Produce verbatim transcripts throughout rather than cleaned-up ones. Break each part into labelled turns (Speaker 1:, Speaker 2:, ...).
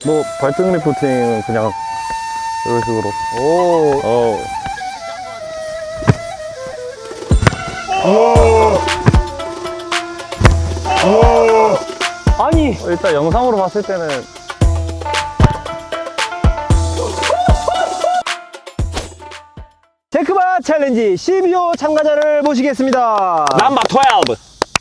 Speaker 1: 뭐 발등 리프팅은 그냥 이런 식으로.
Speaker 2: 오.
Speaker 1: 어.
Speaker 2: 아니.
Speaker 1: 일단 영상으로 봤을 때는
Speaker 2: 체크바 챌린지 십이 호 참가자를 모시겠습니다.
Speaker 3: 넘버 십이.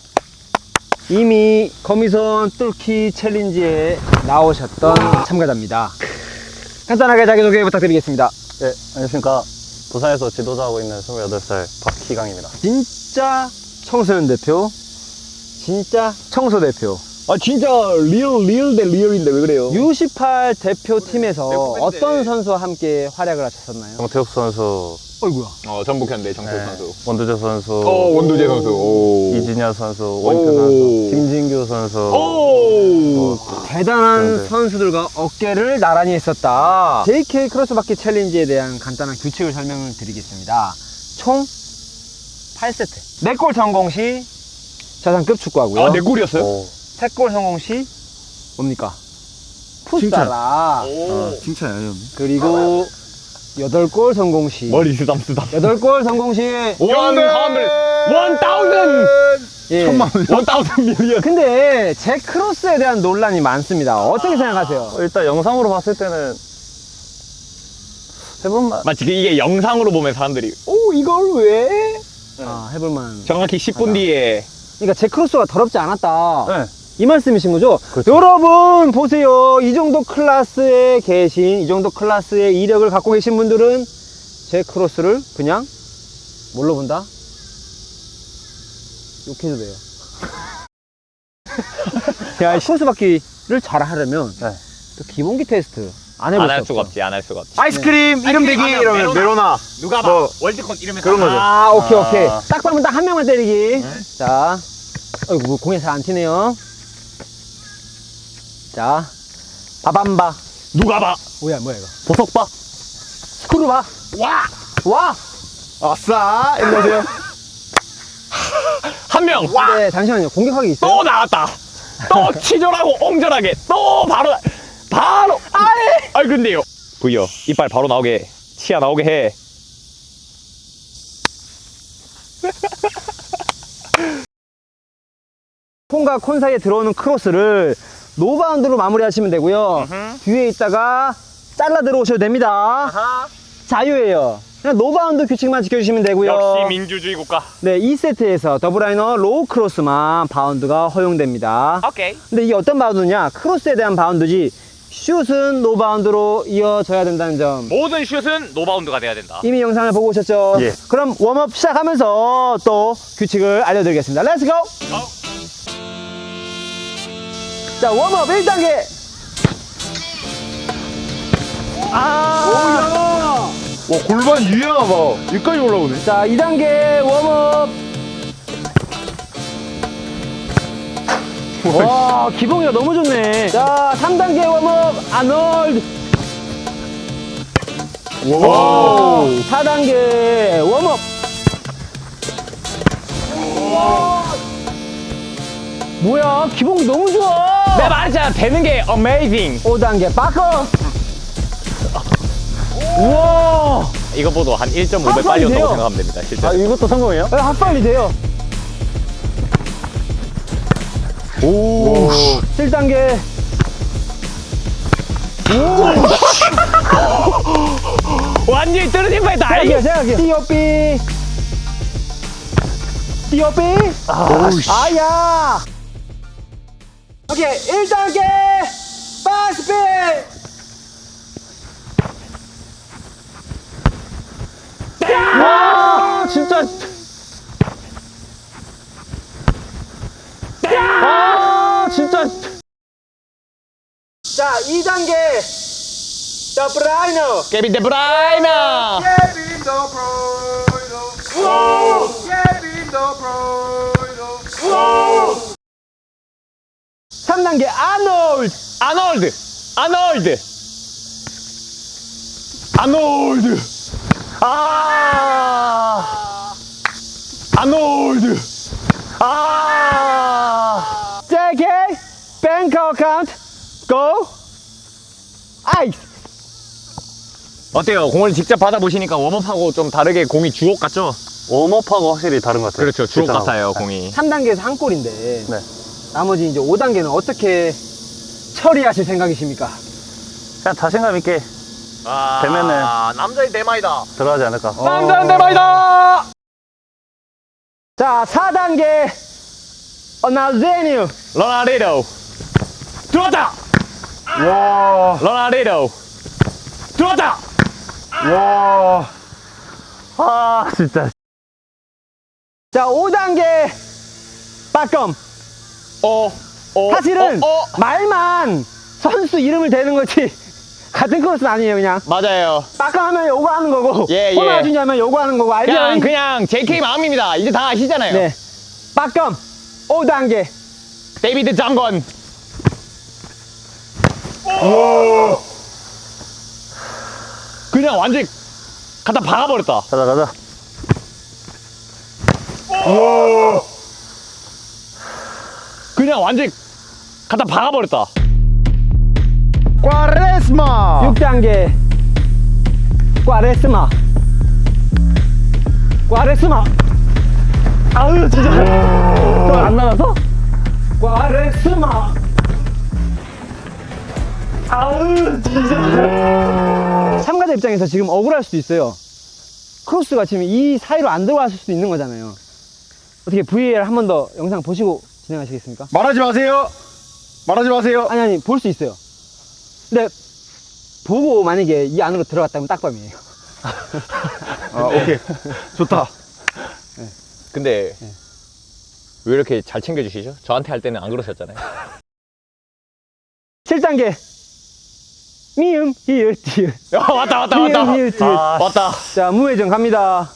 Speaker 2: 이미 거미선 뚫기 챌린지에 나오셨던 참가자입니다. 간단하게 자기소개 부탁드리겠습니다.
Speaker 1: 예, 안녕하십니까. 부산에서 지도자하고 있는 스물여덟 살 박희강입니다.
Speaker 2: 진짜 청소년 대표, 진짜 청소 대표,
Speaker 3: 아 진짜 리얼 리얼 대 리얼인데 왜 그래요?
Speaker 2: 유 십팔 대표팀에서
Speaker 3: 대표인데.
Speaker 2: 어떤 선수와 함께 활약을 하셨었나요?
Speaker 1: 정태욱 선수,
Speaker 2: 어이구야.
Speaker 3: 어 전북현대 정태욱
Speaker 1: 네,
Speaker 3: 선수.
Speaker 1: 원두재 선수,
Speaker 3: 어 원두재 선수. 오.
Speaker 1: 이진야 선수, 원태
Speaker 3: 오.
Speaker 1: 선수, 김진규 선수.
Speaker 3: 오.
Speaker 2: 대단한
Speaker 1: 네.
Speaker 2: 선수들과 어깨를 나란히 했었다. 제이케이 크로스바퀴 챌린지에 대한 간단한 규칙을 설명을 드리겠습니다. 총 팔 세트. 네 골 성공 시 자상급 축구하고요.
Speaker 3: 아내 골이었어요?
Speaker 1: 오.
Speaker 2: 세 골 성공 시 뭡니까? 풋살아.
Speaker 3: 오.
Speaker 4: 칭찬이 아니었네.
Speaker 2: 그리고 여덟 골 성공 시
Speaker 3: 머리 쓰담쓰담.
Speaker 2: 여덟 골 성공 시
Speaker 3: 원 하늘 원 다우즌
Speaker 2: 예.
Speaker 4: 천만 원.
Speaker 3: 원 다우즌 밀리언.
Speaker 2: 근데 제 크로스에 대한 논란이 많습니다. 어떻게 생각하세요?
Speaker 1: 일단 영상으로 봤을 때는 해볼만.
Speaker 3: 마치 이게 영상으로 보면 사람들이
Speaker 2: 오 이걸 왜? 아 해볼만.
Speaker 3: 정확히 십 분 뒤에
Speaker 2: 그러니까 제 크로스가 더럽지 않았다.
Speaker 1: 네.
Speaker 2: 이 말씀이신 거죠?
Speaker 1: 그렇죠.
Speaker 2: 여러분 보세요. 이 정도 클래스에 계신, 이 정도 클래스의 이력을 갖고 계신 분들은 제 크로스를 그냥 뭘로 본다? 욕해도 돼요. 야, 크로스 바퀴를 잘 하려면
Speaker 1: 네.
Speaker 2: 또 기본기 테스트 안 해볼
Speaker 3: 안 할
Speaker 2: 수
Speaker 3: 수가
Speaker 2: 없죠.
Speaker 3: 없지 안 할 수가 없지.
Speaker 4: 아이스크림 이름 대기 이러면 메로나.
Speaker 3: 누가
Speaker 4: 뭐
Speaker 3: 월드컵 이러면
Speaker 4: 그런 거죠.
Speaker 2: 아, 오케이,
Speaker 1: 아.
Speaker 2: 오케이. 딱 봐면 딱 한 명만 때리기. 자, 어이구, 뭐 공이 잘 안 튀네요. 자, 바밤바.
Speaker 3: 누가 봐?
Speaker 2: 뭐야, 뭐야, 이거.
Speaker 3: 보석봐.
Speaker 2: 스크루바. 와! 와!
Speaker 4: 아싸. 안녕하세요.
Speaker 3: 한 명.
Speaker 2: 네, 잠시만요. 공격하기 있어요?
Speaker 3: 또 나왔다. 또 치졸하고 옹졸하게 또 바로 바로 아이 아이 근데요 부여 이빨 바로 나오게 치아 나오게 해.
Speaker 2: 콘과 콘 사이에 들어오는 크로스를 노바운드로 마무리하시면 되고요. 뒤에 있다가 잘라 들어오셔도 됩니다. 자유예요. 그냥 노바운드 규칙만 지켜주시면 되고요.
Speaker 3: 역시 민주주의 국가.
Speaker 2: 네, 이 세트에서 더블라이너 로우 크로스만 바운드가 허용됩니다.
Speaker 3: 오케이.
Speaker 2: 근데 이게 어떤 바운드냐? 크로스에 대한 바운드지 슛은 노바운드로 이어져야 된다는 점.
Speaker 3: 모든 슛은 노바운드가 돼야 된다.
Speaker 2: 이미 영상을 보고 오셨죠?
Speaker 1: 예.
Speaker 2: 그럼 웜업 시작하면서 또 규칙을 알려드리겠습니다. 렛츠고! 자, 웜업 일 단계! 아!
Speaker 4: 와 골반 유연하 봐. 여기까지 올라오네.
Speaker 2: 자, 이 단계 웜업! 와, 기봉이가 너무 좋네. 자, 삼 단계 웜업 아놀드!
Speaker 4: 와.
Speaker 2: 사 단계 웜업! 뭐야, 기봉이 너무 좋아!
Speaker 3: 내가 말했잖아 되는 게 어메이징.
Speaker 2: 오 단계 바커! 우와!
Speaker 3: 이거보다 한 일 점 오 배
Speaker 2: 아,
Speaker 3: 빨리
Speaker 2: 돼요.
Speaker 3: 온다고 생각하면 됩니다. 실제.
Speaker 1: 아, 이것도 성공이에요?
Speaker 2: 네, 핫빨리 돼요.
Speaker 4: 오.
Speaker 2: 칠 단계.
Speaker 3: 완전히 떨어진 바에 다
Speaker 2: 생각해요, 생각해요. 띠오삐. 띠오삐. 아야. 오케이, 일 단계. 바스핀. 와, 진짜. 아, 진짜. 자, 이 단계. 더블라이너.
Speaker 3: 케빈 데브라이너.
Speaker 4: Kevin De Bruyne. Kevin De Bruyne.
Speaker 2: 삼 단계 아놀드.
Speaker 3: 아놀드. 아놀드. 아놀드. 아. 아놀드. 아.
Speaker 2: 제이케이 뱅크 어카운트 고. 아이.
Speaker 3: 어때요? 공을 직접 받아보시니까 웜업하고 좀 다르게 공이 주옥 같죠?
Speaker 1: 웜업하고 확실히 다른 것 같아요.
Speaker 3: 그렇죠. 주옥
Speaker 1: 실전하고.
Speaker 3: 같아요, 공이.
Speaker 2: 삼 단계에서 한 골인데
Speaker 1: 네.
Speaker 2: 나머지 이제 오 단계는 어떻게 처리하실 생각이십니까?
Speaker 1: 그냥 자신감 있게
Speaker 3: 아,
Speaker 1: 되면은-
Speaker 3: 남자의 대마이다.
Speaker 1: 들어가지 않을까.
Speaker 3: 남자의 대마이다.
Speaker 2: 자, 사 단계 어나제뉴.
Speaker 3: 로나리도. 들어왔다.
Speaker 4: 와.
Speaker 3: 로나리도. 들어왔다.
Speaker 4: 와.
Speaker 1: 아, 진짜.
Speaker 2: 자, 오 단계 빠껌.
Speaker 3: 어, 어.
Speaker 2: 사실은
Speaker 3: 어, 어.
Speaker 2: 말만 선수 이름을 대는 거지 같은 코스는 아니에요. 그냥
Speaker 3: 맞아요.
Speaker 2: 빠껌 하면 요거 하는 거고
Speaker 3: 예, 예.
Speaker 2: 호나주니 하면 요거 하는 거고 알죠?
Speaker 3: 그냥, 그냥 제이케이 마음입니다. 이제 다 아시잖아요.
Speaker 2: 네, 빠껌 오 단계.
Speaker 3: 데이비드 장건. 그냥 완전히 갖다 박아버렸다.
Speaker 1: 가자, 가자.
Speaker 3: 그냥 완전히 갖다 박아버렸다.
Speaker 4: 꽈레스마.
Speaker 2: 육 단계 꽈레스마. 꽈레스마. 아유 진짜
Speaker 1: 안 나가서?
Speaker 2: 꽈레스마. 아유 진짜 참가자 입장에서 지금 억울할 수도 있어요. 크로스가 지금 이 사이로 안 들어갔을 수도 있는 거잖아요. 어떻게 브이에이알 한 번 더 영상 보시고 진행하시겠습니까?
Speaker 4: 말하지 마세요. 말하지 마세요.
Speaker 2: 아니 아니 볼 수 있어요. 근데 보고 만약에 이 안으로 들어갔다면 딱밤이에요.
Speaker 4: 아, 오케이. 좋다.
Speaker 3: 근데 왜 이렇게 잘 챙겨주시죠? 저한테 할 때는 안 그러셨잖아요.
Speaker 2: 칠 단계 미음 히읗 디귿.
Speaker 3: 어, 왔다 왔다
Speaker 2: 미음
Speaker 3: 왔다.
Speaker 2: 히읗 디귿.
Speaker 1: 아,
Speaker 3: 왔다.
Speaker 2: 자 무회전 갑니다.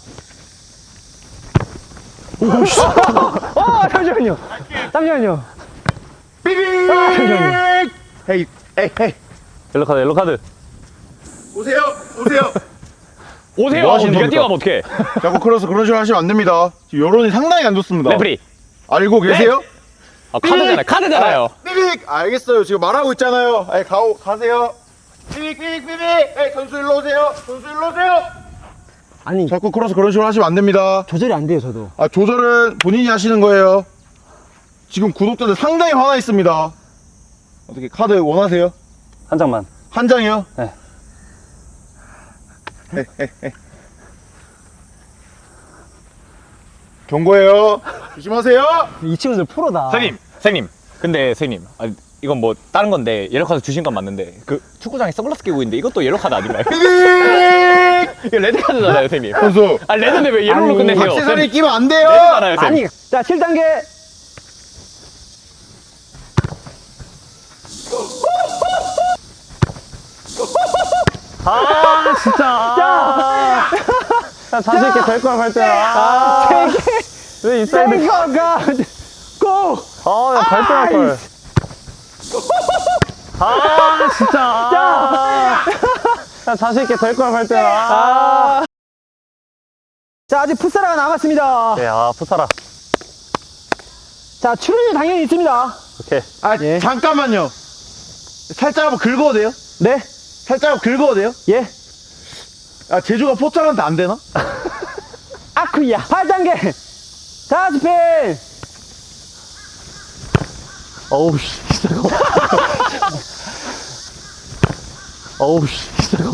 Speaker 2: 오씨. 어 잠시만요. 잠시만요.
Speaker 4: 삐빅.
Speaker 2: 아, 잠시만요.
Speaker 4: 헤이, 헤이, 헤이.
Speaker 1: 옐로 카드, 옐로 카드.
Speaker 4: 오세요. 오세요.
Speaker 3: 오세요.
Speaker 4: 뭐
Speaker 3: 하고
Speaker 4: 하시는
Speaker 3: 네가
Speaker 4: 겁니까?
Speaker 3: 뛰어가면 어떡해.
Speaker 4: 자꾸 크로스 그런 식으로 하시면 안 됩니다. 지금 여론이 상당히 안 좋습니다.
Speaker 3: 레프리.
Speaker 4: 알고 계세요?
Speaker 3: 아, 카드잖아요. 카드잖아요.
Speaker 4: 삐빅. 알겠어요. 지금 말하고 있잖아요. 에이, 가오, 가세요. 삐빅, 삐빅, 삐빅. 에이, 선수 일로 오세요. 선수 일로 오세요.
Speaker 2: 아니
Speaker 4: 자꾸 크로스 그런 식으로 하시면 안 됩니다.
Speaker 2: 조절이 안 돼요 저도.
Speaker 4: 아, 조절은 본인이 하시는 거예요. 지금 구독자들 상당히 화나 있습니다. 어떻게 카드 원하세요?
Speaker 1: 한 장만.
Speaker 4: 한 장이요?
Speaker 1: 네.
Speaker 4: 경고해요. 조심하세요.
Speaker 2: 이 친구들 프로다.
Speaker 3: 선생님, 선생님. 근데 선생님, 아, 이건 뭐 다른 건데 옐로 카드 주신 건 맞는데 그 축구장에 선글라스 끼고 있는데 이것도 옐로 카드 아닌가요?
Speaker 4: 삐빅.
Speaker 3: 이거 레드 카드잖아요, 선생님.
Speaker 4: 선수.
Speaker 3: 아, 레드인데 왜 옐로로
Speaker 2: 아니,
Speaker 3: 끝내세요?
Speaker 4: 액세서리 끼면 안 돼요.
Speaker 3: 레드잖아요, 선생님.
Speaker 2: 아니 자 칠 단계
Speaker 1: 아, 진짜. 아, 야, 자신있게 될 거야, 할 때는. 아, 왜 이 사이드.
Speaker 2: 땡겨가 고.
Speaker 1: 아, 야, 갈 때할 걸. 아, 진짜. 아, 야, 자신있게 될 거야, 할 때는. 아.
Speaker 2: 자 아직 풋사라가 남았습니다.
Speaker 1: 예, 아, 푸사라.
Speaker 2: 자 출연료 당연히 있습니다.
Speaker 1: 오케이.
Speaker 4: 아,
Speaker 2: 예.
Speaker 4: 잠깐만요. 살짝 한번 긁어도 돼요?
Speaker 2: 네.
Speaker 4: 살짝 한번 긁어도 돼요?
Speaker 2: 예.
Speaker 4: 아, 제주가 포장한테 안 되나?
Speaker 2: 아쿠야. 팔 단계. 자 스핀.
Speaker 1: 어우, 씨, 진짜. 어우, 씨, 진짜.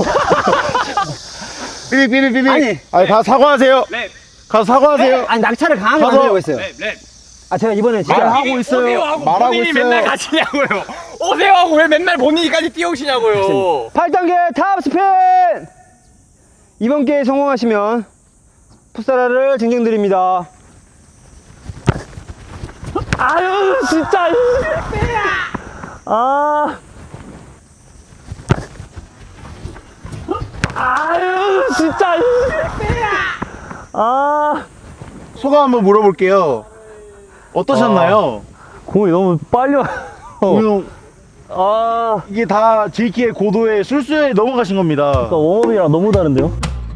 Speaker 4: 삐빅, 삐빅, 삐빅.
Speaker 2: 아니.
Speaker 4: 아니, 다 사과하세요.
Speaker 3: 네.
Speaker 4: 가서 사과하세요.
Speaker 2: 아니 낙차를 강하게
Speaker 4: 가서-
Speaker 2: 만들려고 했어요.
Speaker 3: 네.
Speaker 2: 아 제가 이번에 진짜
Speaker 4: 말하고 있어요.
Speaker 3: 오세요 하고
Speaker 4: 말하고
Speaker 3: 본인이
Speaker 4: 있어요.
Speaker 3: 맨날 가시냐고요. 오세요 하고 왜 맨날 본인이까지 뛰어오시냐고요.
Speaker 2: 팔 단계 탑 스핀. 이번 기회에 성공하시면 풋사라를 증정드립니다.
Speaker 1: 아유, 진짜. 아. 아유, 진짜. 아.
Speaker 4: 소감 한번 물어볼게요. 어떠셨나요?
Speaker 1: 공이 너무 빨리 와.
Speaker 4: 오늘
Speaker 1: 아.
Speaker 4: 이게 다 제이키의 고도의 술수에 넘어가신 겁니다.
Speaker 1: 그러니까 웜업이랑 너무 다른데요?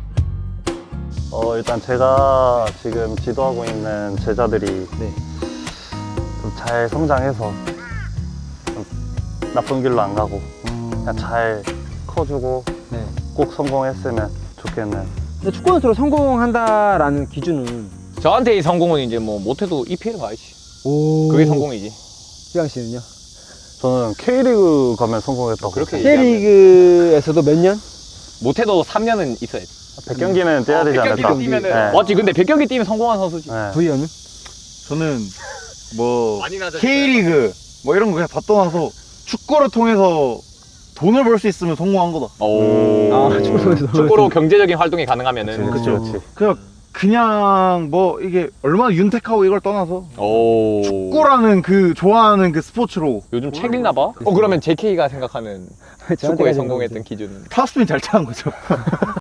Speaker 1: 어, 일단 제가 지금 지도하고 있는 제자들이
Speaker 2: 네.
Speaker 1: 좀 잘 성장해서 좀 나쁜 길로 안 가고 그냥 잘 커주고
Speaker 2: 네.
Speaker 1: 꼭 성공했으면 좋겠네요.
Speaker 2: 근데 축구 선수로 성공한다라는 기준은
Speaker 3: 저한테 이 성공은 이제 뭐 못해도 이피엘 가야지.
Speaker 2: 오.
Speaker 3: 그게 성공이지.
Speaker 2: 지강 씨는요?
Speaker 1: 저는 K리그 가면 성공했다고.
Speaker 3: 그렇게
Speaker 1: 생각해요.
Speaker 2: K리그에서도 몇 년?
Speaker 3: 못해도 삼 년은 있어야 돼.
Speaker 1: 백 경기는 뛰어야 되지 않을까?
Speaker 3: 경기 뛰면은
Speaker 1: 네.
Speaker 3: 맞지. 근데 백 경기 뛰면 성공한 선수지.
Speaker 1: 네.
Speaker 2: V연은?
Speaker 4: 저는 뭐
Speaker 3: 많이 낮아졌어요.
Speaker 4: K리그 뭐 이런 거 그냥 다 떠나서 축구를 통해서 돈을 벌 수 있으면 성공한 거다.
Speaker 3: 오.
Speaker 2: 아, 축구에서
Speaker 3: 축구로 경제적인 활동이 가능하면은.
Speaker 1: 그렇지, 그렇지.
Speaker 4: 그냥 그냥 뭐 이게 얼마나 윤택하고 이걸 떠나서
Speaker 3: 오.
Speaker 4: 축구라는 그 좋아하는 그 스포츠로
Speaker 3: 요즘 책 읽나 봐? 어 그러면 제이케이가 생각하는 축구에 성공했던 기준은
Speaker 4: 탑스핀 잘 차는 거죠.